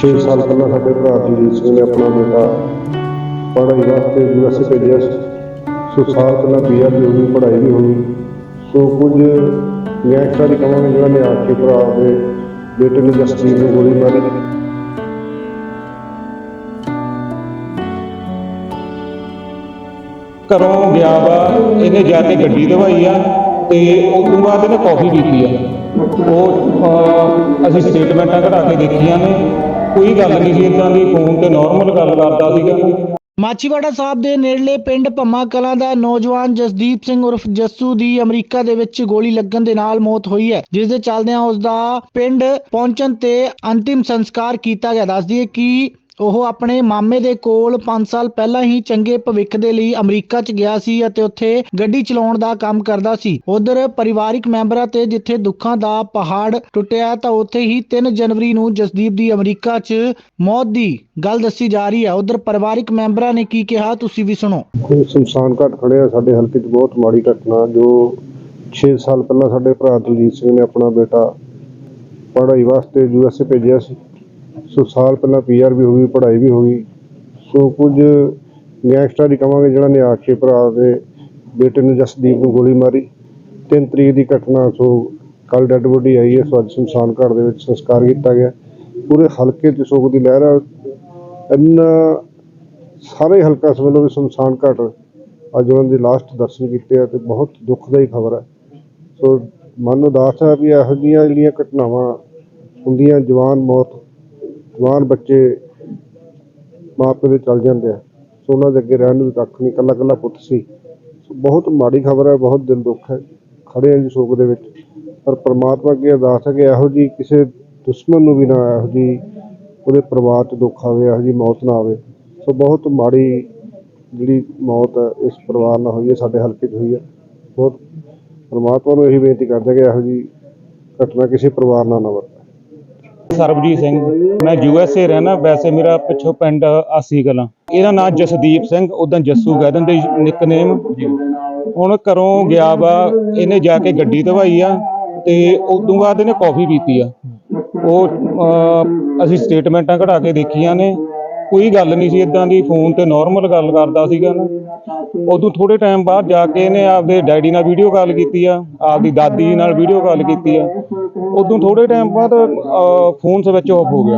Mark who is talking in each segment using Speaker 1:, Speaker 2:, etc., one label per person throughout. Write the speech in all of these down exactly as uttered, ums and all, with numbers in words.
Speaker 1: ਛੇ ਸਾਲ ਪਹਿਲਾਂ ਸਾਡੇ ਭਰਾ ਦਲਜੀਤ ਸਿੰਘ ਨੇ ਆਪਣਾ ਬੇਟਾ ਪੜ੍ਹਾਈ ਵਾਸਤੇ ਯੂ ਐਸ ਏ ਭੇਜਿਆ ਸੀ। ਸੋ ਸਾਲ ਪਹਿਲਾਂ ਪੀ ਆਰ ਵੀ ਹੋ ਗਈ, ਪੜ੍ਹਾਈ ਵੀ ਹੋ ਗਈ। ਸੋ ਕੁਝ ਗੈਂਗਸਟਰਾਂ ਦੀ ਕਹਾਂਗੇ ਜਿਹਨਾਂ ਨੇ ਆ ਕੇ ਭਰਾ ਦੇ ਬੇਟੇ ਨੂੰ ਜਸਦੀਪ ਨੂੰ ਗੋਲੀ ਮਾਰੀ।
Speaker 2: ਘਰੋਂ ਗਿਆ ਵਾ, ਇਹਨੇ ਜਾ ਕੇ ਗੱਡੀ ਦਵਾਈ ਆ ਤੇ ਉਸ ਤੋਂ ਬਾਅਦ ਇਹਨੇ ਕੌਫੀ ਪੀਤੀ ਆ। ਉਹ ਅਹ, ਅਸੀਂ ਸਟੇਟਮੈਂਟਾਂ ਕਢਾ ਕੇ ਦੇਖੀਆਂ ਨੇ, ਕੋਈ ਗੱਲ ਨਹੀਂ ਸੀ ਇੱਦਾਂ ਦੀ, ਫੋਨ ਤੇ ਨਾਰਮਲ ਗੱਲ ਕਰਦਾ ਸੀਗਾ।
Speaker 3: ਮਾਚੀਵਾੜਾ ਸਾਹਿਬ ਦੇ ਨੇੜਲੇ ਪਿੰਡ ਭੰਮਾ ਕਲਾਂ ਦਾ ਨੌਜਵਾਨ ਜਸਦੀਪ ਸਿੰਘ ਉਰਫ ਜੱਸੂ ਦੀ ਅਮਰੀਕਾ ਦੇ ਵਿੱਚ ਗੋਲੀ ਲੱਗਣ ਦੇ ਨਾਲ ਮੌਤ ਹੋਈ ਹੈ, ਜਿਸ ਦੇ ਚੱਲਦਿਆਂ ਉਸ ਦਾ ਪਿੰਡ ਪਹੁੰਚਣ ਤੇ ਅੰਤਿਮ ਸੰਸਕਾਰ ਕੀਤਾ ਗਿਆ। ਦੱਸ ਦਈਏ ਕਿ ਉਹ ਆਪਣੇ ਮਾਮੇ ਦੇ ਕੋਲ ਪੰਜ ਸਾਲ ਪਹਿਲਾਂ ਹੀ ਚੰਗੇ ਭਵਿੱਖ ਦੇ ਲਈ ਅਮਰੀਕਾ 'ਚ ਗਿਆ ਸੀ ਅਤੇ ਉੱਥੇ ਗੱਡੀ ਚਲਾਉਣ ਦਾ ਕੰਮ ਕਰਦਾ ਸੀ। ਉਧਰ ਪਰਿਵਾਰਿਕ ਮੈਂਬਰਾਂ ਤੇ ਜਿੱਥੇ ਦੁੱਖਾਂ ਦਾ ਪਹਾੜ ਟੁੱਟਿਆ ਤਾਂ ਉੱਥੇ ਹੀ ਤਿੰਨ ਜਨਵਰੀ ਨੂੰ ਜਸਦੀਪ ਦੀ ਅਮਰੀਕਾ 'ਚ ਮੌਤ ਦੀ ਗੱਲ ਦੱਸੀ ਜਾ ਰਹੀ ਹੈ। ਉਧਰ ਪਰਿਵਾਰਿਕ ਮੈਂਬਰਾਂ ਨੇ ਕੀ ਕਿਹਾ, ਤੁਸੀਂ ਵੀ ਸੁਣੋ।
Speaker 1: ਕੋਈ ਸ਼ਮਸ਼ਾਨ ਘਾਟ ਖੜਿਆ ਸਾਡੇ ਹਲਕੇ 'ਚ, ਬਹੁਤ ਮਾੜੀ ਘਟਨਾ ਜੋ ਛੇ ਸਾਲ ਪਹਿਲਾਂ ਸਾਡੇ ਭਰਾ ਦਲਜੀਤ ਸਿੰਘ ਨੇ ਆਪਣਾ ਬੇਟਾ ਪੜ੍ਹਾਈ ਵਾਸਤੇ ਯੂ ਐਸ ਏ ਭੇਜਿਆ ਸੀ। ਸੋ ਸਾਲ ਪਹਿਲਾਂ ਪੀ ਆਰ ਵੀ ਹੋ ਗਈ, ਪੜ੍ਹਾਈ ਵੀ ਹੋ ਗਈ। ਸੋ ਕੁਝ ਗੈਂਗਸਟਰਾਂ ਦੀ ਕਹਾਂਗੇ ਜਿਹਨਾਂ ਨੇ ਆ ਕੇ ਭਰਾ ਦੇ ਬੇਟੇ ਨੂੰ ਜਸਦੀਪ ਨੂੰ ਗੋਲੀ ਮਾਰੀ। ਤਿੰਨ ਤਰੀਕ ਦੀ ਘਟਨਾ। ਸੋ ਕੱਲ੍ਹ ਡੈੱਡ ਬੋਡੀ ਆਈ ਹੈ। ਸੋ ਅੱਜ ਸ਼ਮਸ਼ਾਨ ਘਾਟ ਦੇ ਵਿੱਚ ਸੰਸਕਾਰ ਕੀਤਾ ਗਿਆ। ਪੂਰੇ ਹਲਕੇ 'ਚ ਸੋਗ ਦੀ ਲਹਿਰ ਆ। ਇੰਨਾ ਸਾਰੇ ਹਲਕਾ ਇਸ ਵੱਲੋਂ ਵੀ ਸ਼ਮਸ਼ਾਨ ਘਾਟ ਅੱਜ ਉਹਨਾਂ ਦੇ ਲਾਸਟ ਦਰਸ਼ਨ ਕੀਤੇ ਆ, ਅਤੇ ਬਹੁਤ ਦੁਖਦਾਈ ਖਬਰ ਹੈ। ਸੋ ਮਨ ਉਦਾਸ ਹੈ ਵੀ ਇਹੋ ਜਿਹੀਆਂ ਜਿਹੜੀਆਂ ਘਟਨਾਵਾਂ ਹੁੰਦੀਆਂ, ਜਵਾਨ ਮੌਤ, ਜਵਾਨ ਬੱਚੇ ਮਾਂ ਪਿਓ ਦੇ ਚੱਲ ਜਾਂਦੇ ਆ। ਸੋ ਉਹਨਾਂ ਦੇ ਅੱਗੇ ਰਹਿਣ ਨੂੰ ਵੀ ਕੱਖ ਨਹੀਂ, ਇਕੱਲਾ ਇਕੱਲਾ ਪੁੱਤ ਸੀ। ਸੋ ਬਹੁਤ ਮਾੜੀ ਖਬਰ ਹੈ, ਬਹੁਤ ਦਿਲ ਦੁੱਖ ਹੈ। ਖੜ੍ਹੇ ਆ ਜੀ ਸੋਗ ਦੇ ਵਿੱਚ, ਪਰ ਪਰਮਾਤਮਾ ਅੱਗੇ ਅਰਦਾਸ ਹੈ ਕਿ ਇਹੋ ਜਿਹੀ ਕਿਸੇ ਦੁਸ਼ਮਣ ਨੂੰ ਵੀ ਨਾ ਇਹੋ ਜਿਹੀ ਉਹਦੇ ਪਰਿਵਾਰ 'ਚ ਦੁੱਖ ਆਵੇ, ਇਹੋ ਜਿਹੀ ਮੌਤ ਨਾ ਆਵੇ। ਸੋ ਬਹੁਤ ਮਾੜੀ ਜਿਹੜੀ ਮੌਤ ਹੈ ਇਸ ਪਰਿਵਾਰ ਨਾਲ ਹੋਈ ਹੈ, ਸਾਡੇ ਹਲਕੇ 'ਚ ਹੋਈ ਹੈ। ਬਹੁਤ ਪਰਮਾਤਮਾ ਨੂੰ ਇਹੀ ਬੇਨਤੀ ਕਰਦੇ ਕਿ ਇਹੋ ਜਿਹੀ ਘਟਨਾ ਕਿਸੇ ਪਰਿਵਾਰ ਨਾਲ ਨਾ ਵਾਪਰੇ।
Speaker 2: ਸਰਬਜੀਤ ਸਿੰਘ, ਮੈਂ ਯੂ ਐਸ ਏ ਰਹਿਣਾ। ਵੈਸੇ ਮੇਰਾ ਪਿੱਛੋਂ ਪਿੰਡ ਆਸੀ ਕਲਾਂ। ਇਹਦਾ ਨਾਮ ਜਸਦੀਪ ਸਿੰਘ, ਉੱਦਾਂ ਜੱਸੂ ਕਹਿ ਦਿੰਦੇ ਨਿਕਨੇਮ। ਹੁਣ ਘਰੋਂ ਗਿਆ ਵਾ, ਇਹਨੇ ਜਾ ਕੇ ਗੱਡੀ ਦਵਾਈ ਆ ਤੇ ਉਸ ਤੋਂ ਬਾਅਦ ਇਹਨੇ ਕੌਫੀ ਪੀਤੀ ਆ। ਉਹ ਅਹ, ਅਸੀਂ ਸਟੇਟਮੈਂਟਾਂ ਕਢਾ ਕੇ ਦੇਖੀਆਂ ਨੇ, ਕੋਈ ਗੱਲ ਨਹੀਂ ਸੀ ਇੱਦਾਂ ਦੀ, ਫੋਨ ਤੇ ਨਾਰਮਲ ਗੱਲ ਕਰਦਾ ਸੀਗਾ ਨਾ। ਉਦੋਂ ਥੋੜ੍ਹੇ ਟਾਈਮ ਬਾਅਦ ਜਾ ਕੇ ਇਹਨੇ ਆਪਦੇ ਡੈਡੀ ਨਾਲ ਵੀਡੀਓ ਕਾਲ ਕੀਤੀ ਆ, ਆਪਦੀ ਦਾਦੀ ਨਾਲ ਵੀਡੀਓ ਕਾਲ ਕੀਤੀ ਆ। ਉਦੋਂ ਥੋੜ੍ਹੇ ਟਾਈਮ ਬਾਅਦ ਫੋਨ ਸਵਿਚ ਆਫ ਹੋ ਗਿਆ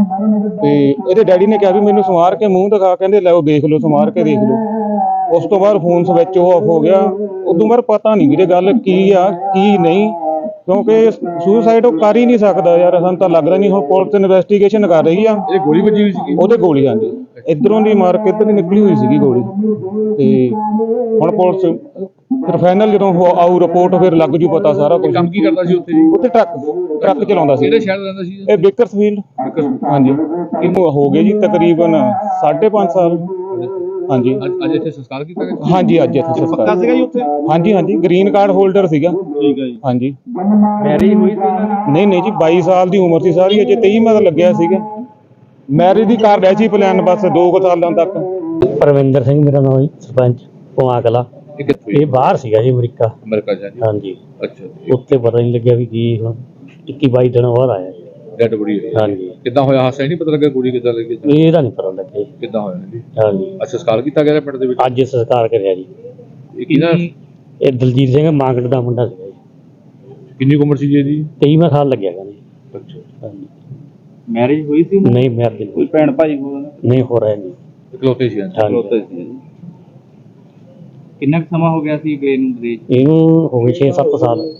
Speaker 2: ਤੇ ਇਹਦੇ ਡੈਡੀ ਨੇ ਕਿਹਾ ਵੀ ਮੈਨੂੰ ਸਮਾਰ ਕੇ ਮੂੰਹ ਦਿਖਾ, ਕਹਿੰਦੇ ਲੈ ਉਹ ਦੇਖ ਲਓ, ਸਮਾਰ ਕੇ ਦੇਖ ਲਓ। ਉਸ ਤੋਂ ਬਾਅਦ ਫੋਨ ਸਵਿਚ ਆਫ ਹੋ ਗਿਆ। ਉਦੋਂ ਬਾਅਦ ਪਤਾ ਨਹੀਂ ਵੀਰੇ ਗੱਲ ਕੀ ਆ ਕੀ ਨਹੀਂ, ਕਿਉਂਕਿ ਸੁਸਾਈਡ ਉਹ ਕਰ ਹੀ ਨਹੀਂ ਸਕਦਾ ਯਾਰ, ਸਾਨੂੰ ਤਾਂ ਲੱਗਦਾ ਨਹੀਂ। ਹੁਣ ਪੁਲਿਸ ਇਨਵੈਸਟੀਗੇਸ਼ਨ ਕਰ ਰਹੀ ਆ।
Speaker 4: ਇਹ ਗੋਲੀ ਵੱਜੀ ਹੋਈ ਸੀ,
Speaker 2: ਉਹਦੇ ਗੋਲੀ ਆਂਦੀ ਇੱਧਰੋਂ ਦੀ ਮਾਰ ਕੇ ਇੱਧਰ ਦੀ ਨਿਕਲੀ ਹੋਈ ਸੀਗੀ ਗੋਲੀ। ਤੇ ਹੁਣ ਪੁਲਿਸ ਫਿਰ ਫਾਈਨਲ ਜਦੋਂ ਆਊ ਰਿਪੋਰਟ ਫਿਰ ਲੱਗ ਜੂ ਪਤਾ ਸਾਰਾ ਕੁਝ।
Speaker 4: ਕੰਮ ਕੀ ਕਰਦਾ ਸੀ ਉੱਥੇ ਜੀ?
Speaker 2: ਉੱਥੇ ਟਰੱਕ ਟਰੱਕ ਚਲਾਉਂਦਾ ਸੀ।
Speaker 4: ਕਿਹੜੇ ਸ਼ਹਿਰ ਰਹਿੰਦਾ ਸੀ
Speaker 2: ਇਹ ਬੇਕਰਸਫੀਲਡ। ਹਾਂਜੀ, ਇਹਨੂੰ ਹੋ ਗਏ ਜੀ ਤਕਰੀਬਨ ਸਾਢੇ ਪੰਜ ਸਾਲ। ਹਾਂਜੀ,
Speaker 4: ਅੱਜ ਇੱਥੇ ਸੰਸਕਾਰ ਕੀਤਾ ਗਿਆ?
Speaker 2: ਹਾਂਜੀ ਅੱਜ ਇੱਥੇ ਸੰਸਕਾਰ
Speaker 4: ਪੱਕਾ ਸੀਗਾ ਜੀ ਉੱਥੇ?
Speaker 2: ਹਾਂਜੀ ਹਾਂਜੀ, ਗ੍ਰੀਨ ਕਾਰਡ ਹੋਲਡਰ ਸੀਗਾ।
Speaker 4: ਠੀਕ ਹੈ ਜੀ।
Speaker 2: ਹਾਂਜੀ,
Speaker 4: ਮੈਰਿਜ ਹੋਈ ਸੀ?
Speaker 2: ਨਹੀਂ ਨਹੀਂ ਜੀ, ਬਾਈ ਸਾਲ ਦੀ ਉਮਰ ਸੀ ਸਾਰੀ, ਅਜੇ ਤੇਈ ਮਤ ਲੱਗਿਆ ਸੀਗਾ। ਮੈਰਿਜ ਦੀ ਕਰ ਰਿਹਾ ਸੀ ਪਲਾਨ, ਬਸ ਦੋ ਕੁ ਸਾਲਾਂ ਤੱਕ।
Speaker 5: ਪਰਵਿੰਦਰ ਸਿੰਘ ਮੇਰਾ ਨਾਮ ਜੀ, ਸਰਪੰਚ ਭੰਮਾ ਕਲਾਂ।
Speaker 4: ਇਹ ਕਿੱਥੋਂ?
Speaker 5: ਇਹ ਬਾਹਰ ਸੀਗਾ ਜੀ, ਅਮਰੀਕਾ।
Speaker 4: ਅਮਰੀਕਾ ਜਾ ਜੀ?
Speaker 5: ਹਾਂਜੀ,
Speaker 4: ਅੱਛਾ ਜੀ।
Speaker 5: ਉੱਥੇ ਪਤਾ ਨਹੀਂ ਲੱਗਿਆ ਵੀ ਕੀ ਹੁਣ ਇੱਕੀ ਬਾਈ ਦਿਨ ਬਾਅਦ ਆਇਆ ਜੀ।
Speaker 4: ਡੈਡ ਬੋਡੀ ਹੋਈ?
Speaker 5: ਹਾਂਜੀ।
Speaker 4: ਕਿੱਦਾਂ ਹੋਇਆ ਹਾਦਸਾ? ਨਹੀਂ ਪਤਾ ਲੱਗਾ ਗੋਲੀ ਕਿੱਦਾਂ ਲੱਗੀ?
Speaker 5: ਇਹਦਾ ਨਹੀਂ ਪਤਾ ਲੱਗਿਆ ਜੀ।
Speaker 4: ਕਿੱਦਾਂ ਹੋਇਆ ਜੀ?
Speaker 5: ਹਾਂਜੀ,
Speaker 4: ਅੱਛਾ, ਸੰਸਕਾਰ ਕੀਤਾ ਗਿਆ ਪਿੰਡ ਦੇ ਵਿੱਚ?
Speaker 5: ਅੱਜ ਸੰਸਕਾਰ ਕਰਿਆ ਜੀ।
Speaker 4: ਇਹ ਕਿਹਦਾ?
Speaker 5: ਇਹ ਦਲਜੀਤ ਸਿੰਘ ਮਾਂਗੜ ਦਾ ਮੁੰਡਾ ਸੀਗਾ ਜੀ।
Speaker 4: ਕਿੰਨੀ ਕੁ ਉਮਰ ਸੀ ਜੀ ਇਹਦੀ?
Speaker 5: ਤੇਈਵਾਂ ਸਾਲ ਲੱਗਿਆ ਗਾ ਜੀ।
Speaker 4: ਅੱਛਾ।
Speaker 5: ਹਾਂਜੀ।
Speaker 4: ਮੈਰਿਜ ਹੋਈ ਸੀ?
Speaker 5: ਨਹੀਂ ਮੈਰਿਜ
Speaker 4: ਕੋਈ ਭੈਣ ਭਾਈ ਹੋਣਾ?
Speaker 5: ਨਹੀਂ ਹੋ ਰਿਹਾ ਜੀ।
Speaker 4: ਇਕਲੌਤੇ ਸੀ?
Speaker 5: ਇਕਲੌਤੇ
Speaker 4: ਸੀ। ਕਿੰਨਾ ਕੁ ਸਮਾਂ ਹੋ ਗਿਆ ਸੀ ਗਏ ਨੂੰ ਵਿਦੇਸ਼?
Speaker 5: ਇਹਨੂੰ ਹੋ ਗਏ ਛੇ ਸੱਤ ਸਾਲ।